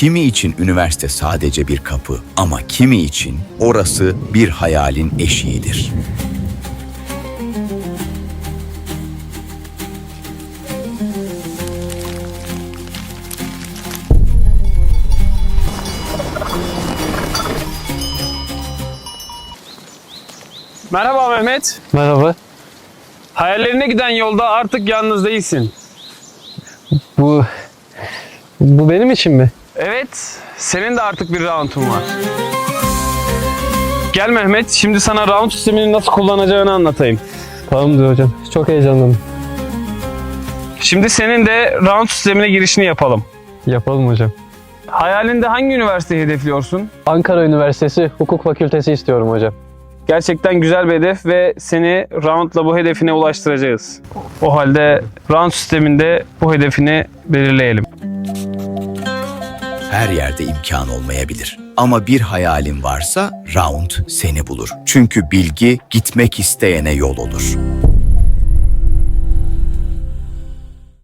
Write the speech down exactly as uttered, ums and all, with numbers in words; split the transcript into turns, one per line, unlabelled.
Kimi için üniversite sadece bir kapı ama kimi için orası bir hayalin eşiğidir.
Merhaba Mehmet.
Merhaba.
Hayallerine giden yolda artık yalnız değilsin.
Bu bu benim için mi?
Evet, senin de artık bir round'un var. Gel Mehmet, şimdi sana round sistemini nasıl kullanacağını anlatayım.
Tamamdır hocam. Çok heyecanlıyım.
Şimdi senin de round sistemine girişini yapalım.
Yapalım hocam.
Hayalinde hangi üniversiteyi hedefliyorsun?
Ankara Üniversitesi Hukuk Fakültesi istiyorum hocam.
Gerçekten güzel bir hedef ve seni roundla bu hedefine ulaştıracağız. O halde round sisteminde bu hedefini belirleyelim.
Her yerde imkan olmayabilir. Ama bir hayalin varsa round seni bulur. Çünkü bilgi gitmek isteyene yol olur.